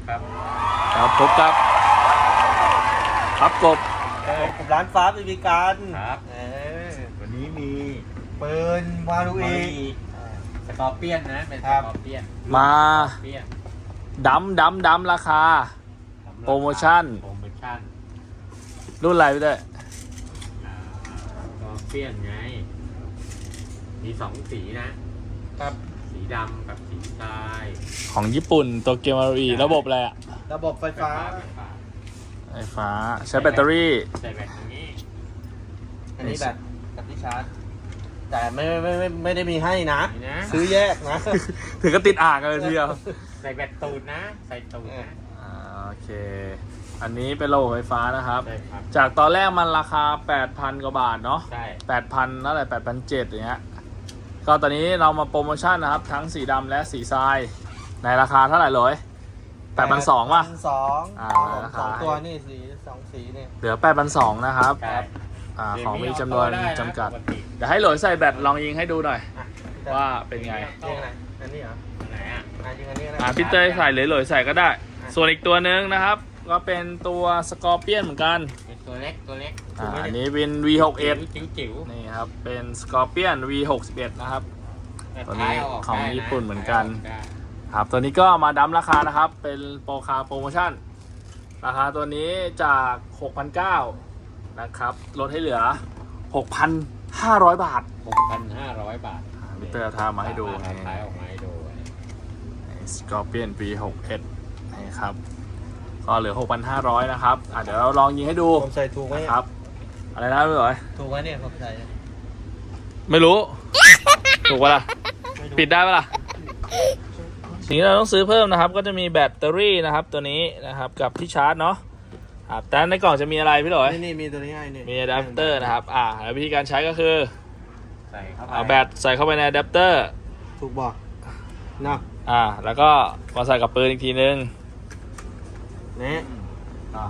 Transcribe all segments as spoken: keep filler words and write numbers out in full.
ครับครับพบกับครับกบผมร้านฟ้าบีบีกันครับเออวันนี้มีปืนวารุมีอีสกอร์เปียนนะเป็นสครับกอร์เปียนมาสกอร์เปียนดัมดัมดัมราคา โปรโมชั่นโปรโมชั่นรุ่นอะไรพี่เต้ยอ่าสกอร์เปียนไงมีสองสีนะครับ สีดำกับสีทรายของญี่ปุ่นตัวเกมอารีระบบอะไรอะระบบไฟฟ้าไฟฟ้าไฟฟ้าใช้แบตเตอรี่ใส่แบตตรงนี้อันนี้แบบกับที่ชาร์จ แต่ไม่ไม่ไม่ไม่ได้มีให้นะนี่นะซื้อแยกนะถึงก็ติดอ่างกันเลยทีเดียวใส่แบตตูดนะ ใส่ตูดนะอ่าโอเค อันนี้เป็นระบบไฟฟ้านะครับใช่ครับจากตอนแรกมันราคา แปดพัน กว่าบาทเนาะใช่แปดพันนั่นแหละแปดพันเจ็ดอย่างเงี้ย ก็ตอนนี้เรามาโปรโมชั่นนะครับ ทั้งสีดำและสีทราย ในราคาเท่าไหร่เลยแปดพันสองป่ะสองอ่าราคาสองตัวนี่สีสองสีนี่เหลือแปดพันสองนะครับใช่อ่าของมีจำนวนเดี๋ยจำกัดปกติเดี๋ยวให้หลอยใส่แบตลองยิงให้ดูหน่อยอ่ะว่าเป็นไงยิงอะไรอันนี้เหรออันไหนอ่ะอ่ะยิงอันนี้นะอ่าพี่เต้ยใส่หรือหลอยใส่ก็ได้ ส่วนอีกตัวหนึงนะครับ ก็เป็นตัวสกอร์เปียนเหมือนกันเป็นตัวเล็กตัวเล็กอ่าอันนี้เป็น วี หกสิบเอ็ดจิ๋วจิ๋วนี่ครับ เป็นสกอร์เปียน วี หกสิบเอ็ด นะครับๆตัวนี้ท้ายเาของได้ะญี่ปุ่นเหมือนกันได้ครับตัวนี้ก็มาดั้มราคานะครับ เป็นโปรคาโปรโมชั่น ราคาตัวนี้จาก หกพันเก้าร้อย นะครับ ลดให้เหลือ หกพันห้าร้อย บาทหกพันห้าร้อยบาทมิเตอร์ทามาให้ดูเอาท้ายออกมาให้ดูสกอร์เปียน วี หกสิบเอ็ด นี่ครับ ก็เหลือ หกพันห้าร้อย นะครับอ่ะเดี๋ยวเราลองยิงให้ดูผมใส่ถูกไหมนะครับ อะไรนะพี่หลอยถูกไหมเนี่ยผมใส่ไม่รู้ ถูกปะล่ะ ปิดได้ปะล่ะ สิ่งที่เราต้องซื้อเพิ่มนะครับ ก็จะมีแบตเตอรี่นะครับ ตัวนี้นะครับ กับที่ชาร์จเนาะครับแต่ในกล่องจะมีอะไรพี่หลอยนี่นี่มีตัวนี้ให้นี่มีอะแดปเตอร์นะครับ อ่าแล้ววิธีการใช้ก็คือใส่เข้าไปเอาแบตใส่เข้าไปในอะแดปเตอร์ถูกบอกเนาะอ่า แล้วก็มาใส่กับปืนอีกทีนึงนี่อ่า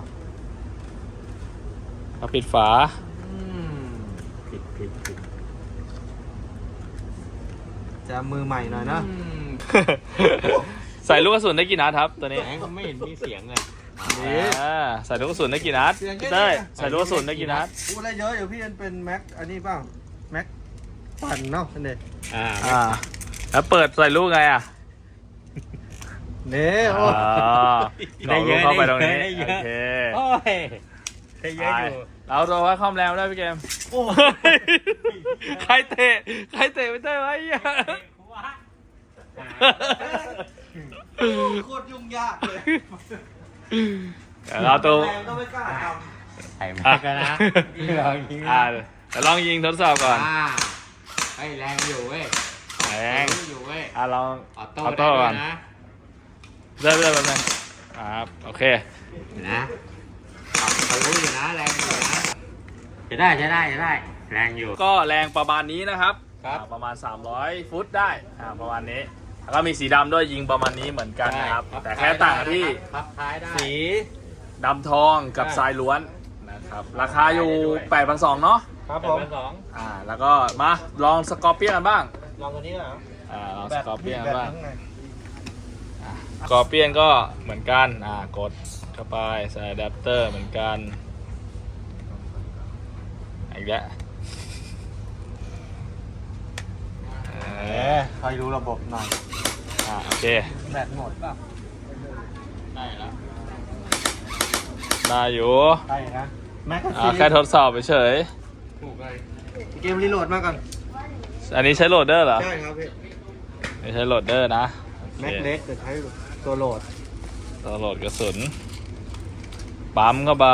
แล้วปิดฝาอืมผิดผิดผิดจะมือใหม่หน่อยนะอืมใส่ลูกกระสุนได้กี่นัดครับตัวนี้แหมก็ไม่เห็นมีเสียงเลยนี่อ่าใส่ลูกกระสุนได้กี่นัดเสียงแค่พี่เต้ยนี้ใส่ลูกกระสุนได้กี่นัดพูดอะไรเยอะอยู่พี่มันเป็นแม็กอันนี้เปล่าแม็กปั่นเนาะอันนี้อ่าอ่า แล้วเปิดใส่ลูกไงอ่ะนี่โอ้อ๋อหลอกลูกเข้าไปตรงนี้ได้เยโออะเคโอ้ยได้เยอะอยู่เราตัวว่าคอมแรงได้พี่เกมโอ้ใครเตะ ใครเตะไม่ได้ไวะไอ้เหี้ยโคตรยุ่งยากเลยเดี๋ยวเราตัวแรงก็ไม่กล้าทใส่มากันนะลองยิงอ่าเดี๋ยวลองยิงทดสอบก่อนอ่าเฮ้ยแรงอยู่เว้ยแรงอยู่เว้ยอ่าลองออโต้ออได้โต้ด้ก่วอย นนะเริ่มเริ่มแป๊บนึงครับโอเคเห็นนะขับทะลุอยู่นะแรงอยู่นะจะได้จะได้จะได้ แรงอยู่ก็แรงประมาณนี้นะครับครับอ่าประมาณ สามร้อย ฟุตได้อ่าประมาณนี้แล้วก็มีสีดำด้วยยิงประมาณนี้เหมือนกันนะครับได้แต่แค่ต่างกันที่พับท้ายได้ำสีดำทองกับได้ทรายล้วนนะครับ ราคาอยู่ แปดพันสองร้อย เนาะครับแปผดมพันสองอ่า แล้วก็มาลองสกอร์เปียนกันบ้างลองตัวนี้เหรออ่า ลองสกอร์เปียนแบกันบบ้างข้างในสกอร์เปียนก็เหมือนกัน อ่า กดเข้าไปใส่อะแดปเตอร์เหมือนกัน อีกแล้วเอ๊ะคอยดูระบบหน่อยอ่า โอเคแบตหมดป่ะได้แล้วได้อยู่ใช่นะแม็กกาอ่าซีนแค่ทดสอบเฉยถูกเลยเกมรีโหลดมาก่อนๆอันนี้ใช้โหลดเดอร์เหรอใช่ครับพี่ไม่ใช้โหลดเดอร์นะโอคแม็กเล็กแต่ใช้ตัวโหลดตัวโหลดกระสุน ปั๊มเข้าไป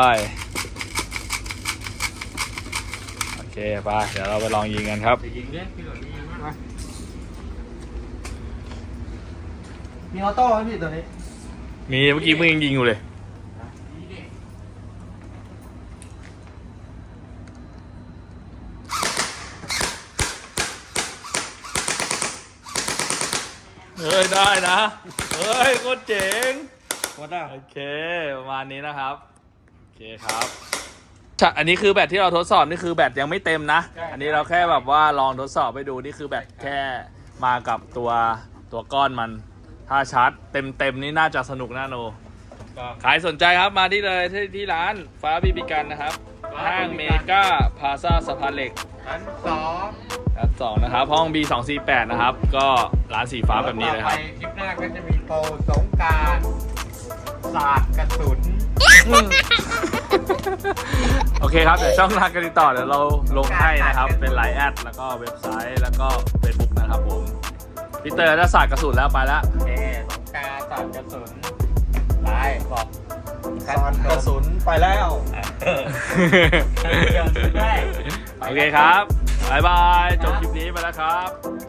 โอเคไปเดี๋ยวเราไปลองยิงกันครับจะยิงเล่นพี่หลอดยิงมั้ยมีออโต้ไหมพี่ตัวนี้มีเมื่อกี้เพิ่งยิงอยู่เลย เฮ้ย ได้นะ เฮ้ยโคตรเจ๋งวัดได้โอเคประมาณนี้นะครับ โอเคครับใช่อันนี้คือแบตที่เราทดสอบนี่คือแบตยังไม่เต็มนะ อันนี้เราแค่แบบว่าลองทดสอบไปดูนี่คือแบตแค่มากับตัวตัวก้อนมัน ถ้าชาร์จเต็มเต็มนี่น่าจะสนุกน่าโนก็ใครสนใจครับมาที่เลยที่ที่ร้านฟ้าบีบีกันนะครับห้างเมกาพาซาสะพานเหล็กชั้นสองชั้นสองนะครับห้อง บี สองสี่แปด นะครับก็ร้านสีฟ้าแบบนี้เลยครับต่อไปคลิปหน้าก็จะมีโปรสงกรารศาสตร์กระสุนโอเคครับเดี๋ยวช่องทางการติดต่อเดี๋ยวเราลงให้นะครับเป็นไลน์แอดแล้วก็เว็บไซต์แล้วก็เฟซบุ๊กนะครับผมพี่เตอร์ได้ศาสตร์กระสุนแล้วไปแล้วโอเคสงกรารศาสตร์กระสุนไปบอกสอนกระสุนไปแล้วเออเดี๋ยวได้โอเคครับบ๊ายบายจบคลิปนี้ไปแล้วครับ